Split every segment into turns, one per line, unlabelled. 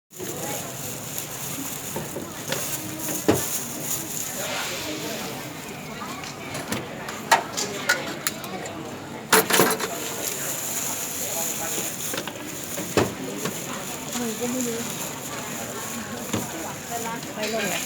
ก็ไม่รู้ไปลงเนี่ย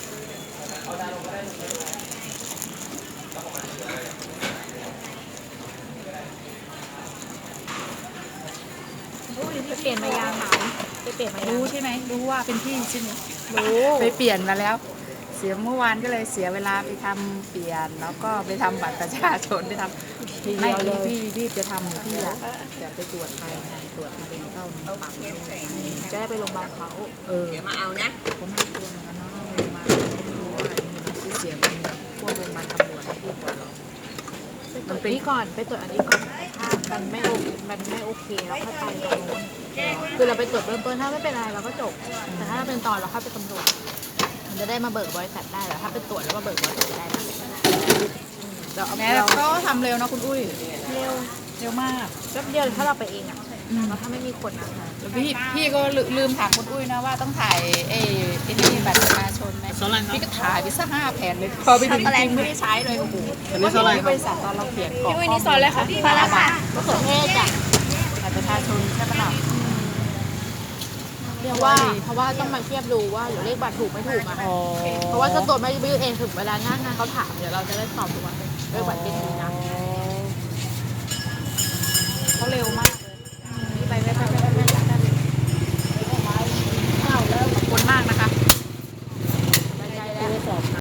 ไปเปลี่ยนมายางหนาวไปเปลี่ยนมายาง
รู้ใช่ไหมรู้ว่าเป็นพี่ใช่ไหม
รู้
ไปเปลี่ยนมาแล้วเสียเมื่อวานก็เลยเสียเวลาไปทำเปลี่ยนแล้วก็ไปทำบัตรประชาชนไปทำ
ทีเดี
ไม่
ยวเลย
พี่รีบจะทำพี่อยากจะไปตรวจไปตรวจมะเร็งเต้านมปัง
จะได้ไปโรงพยาบาลเขา
เดี๋ยวมาเอานะผมไม่กลัวนะน้องโรงพยาบาลไม่รู้ว่าชื่อเสียงมันพวกโรงพยาบาลตำรวจให้พูดก่อนหรอก
มันเป็นนี้ก่อนไปตรวจอันนี้ก่อนถ้ามันไม่โอเคแล้วค่อยไปตรงนู้นคือเราไปตรวจเบื้องต้นถ้าไม่เป็นอะไรเราก็จบแต่ถ้าเป็นตอนเราเข้าไปตำรวจมันจะได้มาเบิกบริษัทได้แต่ถ้าเป็นตรวจแล้วมาเบิกบริษัทไม่ได้นะเราเอา
แม่ก็ทำเร็วนะคุณอุ้ย
เร็ว
เร็วมาก
แป๊บเดียวถ้าเราไปเองอะแล้วถ้าไม่มีคนอะ
พี่ก็ลืมถามคุณอุ้ยนะว่าต้องถ่ายนี่บัตรประชาชนไหมพี่ก็ถ่ายไปสัก5 แผ่นเลยพอไปถึงจริงไม่ได้ใช้เลยโอ้โหที่บริษัทตอนเราเขียนกรอกข้อมูล
พาราค่ะมะเขือเทศอะ
บัตรประชาชนใช่ไหมล่ะ
เพราะว่าต้องมาเทียบดูว่าเดี๋ยวเลขบัตรถูกไม่ถูกอะ
อ๋อ
เพราะว่าเจ้าตัวไม่ยื่นเองถึงเวลาหน้างานเขาถามเดี๋ยวเราจะได้ตอบถูกว่าเลขบัตรเป็นนี้นะ